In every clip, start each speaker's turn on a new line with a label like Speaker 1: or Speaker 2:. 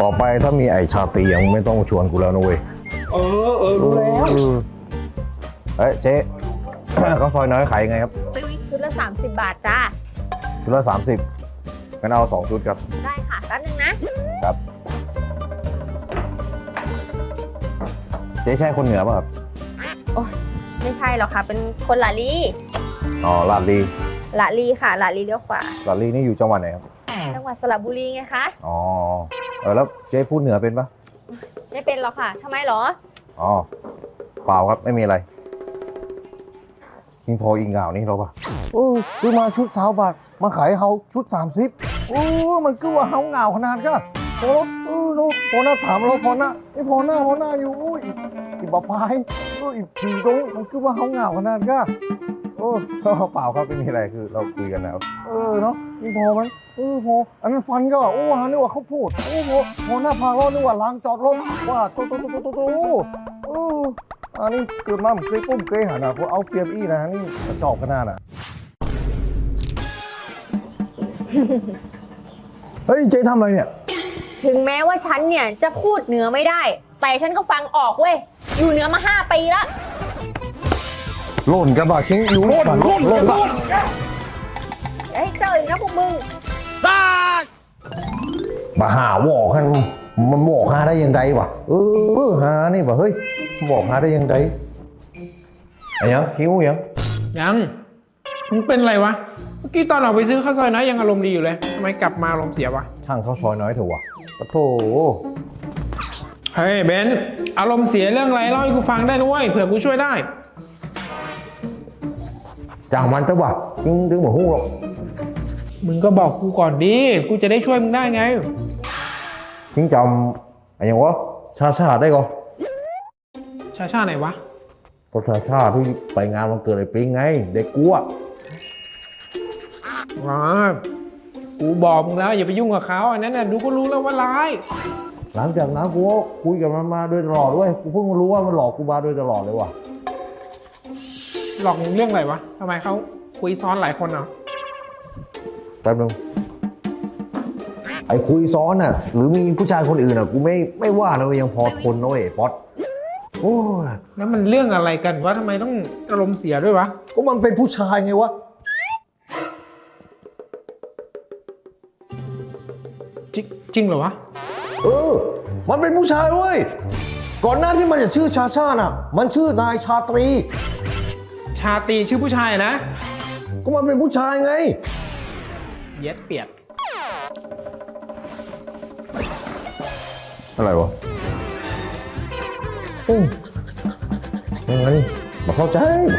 Speaker 1: ต่อไปถ้ามีไอชาตรียังไม่ต้องชวนกูแล้วนะเว้ย
Speaker 2: รู้แล้ว
Speaker 1: เฮ้ยเจ๊ ข้าวซอยน้อยขายยังไงครับ
Speaker 3: ชุดละ30 บาทจ้า
Speaker 1: ชุดละ30งั้นเอา2ชุดครับ
Speaker 3: ได้ค่ะแป๊บนึงนะครับ
Speaker 1: เจ๊ใช่คนเหนือป่ะครับ
Speaker 3: โอ้ยไม่ใช่หรอกค่ะ เป็นคนละลี
Speaker 1: อ๋อลาดลี
Speaker 3: ละลีค่ะละลีเลี้ยวขวา
Speaker 1: ลาดลีนี่อยู่จังหวัดไหนครับ
Speaker 3: จังหวัดสระบุรีไงคะ
Speaker 1: อ๋อแล้วเจ๊พูดเหนือเป็นปะ
Speaker 3: ไม่เป็นหรอกค่ะทำไมหรอ
Speaker 1: อ๋อเปล่าครับไม่มีอะไรคิงพออิงเหงานี่เราปะซื้อมาชุด20 บาทมาขายเฮาชุด30มันก็ว่าเฮาเหงาขนาดก็พอหน้าถามเราพอหน้าไม่พอหน้าอยู่อีบะพายอีผีตรงมันก็ว่าเฮาเหงาขนาดก็เปล่าครับไม่มีอะไรคือเราคุยกันแล้วเนาะนี่พอมันพออันนั้นฟันก็หานึกว่าเขาพูดพอหน้าพางเรานึกว่าล้างจอดรถว่าโตอันนี้เกิดมาผมเคยปุ้มเคยหันคนเอาเปรียบอี้นะนี่กระจอกขนาดน่ะ เฮ้ยเจ๊ทำอะไรเนี่ย
Speaker 3: ถึงแม้ว่าฉันเนี่ยจะพูดเหนือไม่ได้ แต่ฉันก็ฟังออกเว้ยอยู่เหนือมา5 ปีแล้ว
Speaker 1: หล่นกันบ่าคิงอยู่หล่นบ่า
Speaker 3: เฮ้ยเจออีกนะพวกมึง
Speaker 1: มาหาวอกกันมันบอกหาได้ยังไงวะหานี่วะเฮ้ยบอกหาได้ยังไงไอ้ยังคิ้วยัง
Speaker 2: มึงเป็นอะไรวะเมื่อกี้ตอนออกไปซื้อข้าวซอยน้อยยังอารมณ์ดีอยู่เลยทำไมกลับมาอารมณ์เสียวะ
Speaker 1: ช่างข้าวซอยน้อยเถอะวะปะโถ
Speaker 2: เฮ้ยเบนซ์อารมณ์เสียเรื่องอะไรเล่าให้กูฟังได้นะเว้ยเผื่อกูช่วยได้
Speaker 1: จางมันเถอะวะคิงถึงบอกฮู้หรอก
Speaker 2: มึงก็บอกกูก่อนดิกูจะได้ช่วยมึงได้ไง
Speaker 1: คิงจำไอ้ยังวะชาได้ก่อน
Speaker 2: ชาไหนวะ
Speaker 1: ก็ชาที่ไปงานวันเกิดไอ้ปิ๊งไงเด็กกูอะ
Speaker 2: อ๋อกูบอกมึงแล้วอย่าไปยุ่งกับเขาอันนั้นน่ะดูก็รู้แล้วว่าร้าย
Speaker 1: หลังจากนั้นกูก็คุยกับมันมาโดยตลอดด้วยกูเพิ่งรู้ว่ามันหลอกกูมาโดยตลอดเลยว่ะ
Speaker 2: หลอกมึงเรื่องอะไรวะทำไมเขาคุยซ้อนหลายคนเหรอ
Speaker 1: แป๊บนึงไอ้คุยซ้อนน่ะหรือมีผู้ชายคนอื่นน่ะกูไม่ว่านะเว้ยยังพอทนนะเว้ยป๊อตโอ้ย
Speaker 2: แล้วมันเรื่องอะไรกันวะทำไมต้องอารมณ์เสียด้วยวะ
Speaker 1: ก็มันเป็นผู้ชายไงวะ
Speaker 2: จริงเหรอวะ
Speaker 1: มันเป็นผู้ชายเว้ยก่อนหน้าที่มันจะชื่อชาน่ะมันชื่อนายชาตรี
Speaker 2: ชาตรีชื่อผู้ชายนะ
Speaker 1: ก็มันเป็นผู้ชายไง
Speaker 2: เย็ดเปียด
Speaker 1: อะไรวะยังไงมาเข้าใจ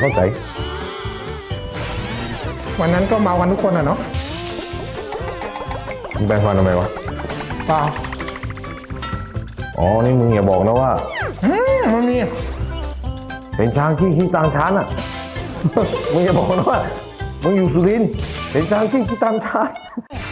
Speaker 2: วันนั้นก็เมากันทุกคนอะเนาะ
Speaker 1: มึงแบ่งฟันทำไมวะ
Speaker 2: เปล่า
Speaker 1: อ๋อนี่มึงอย่าบอกนะว่า
Speaker 2: มันมี
Speaker 1: เป็นช้างขี้ตามช้านอ่ะ มึงอย่าบอกนะว่ามึงอยู่สุรินทร์เป็นช้างขี้ตามช้าน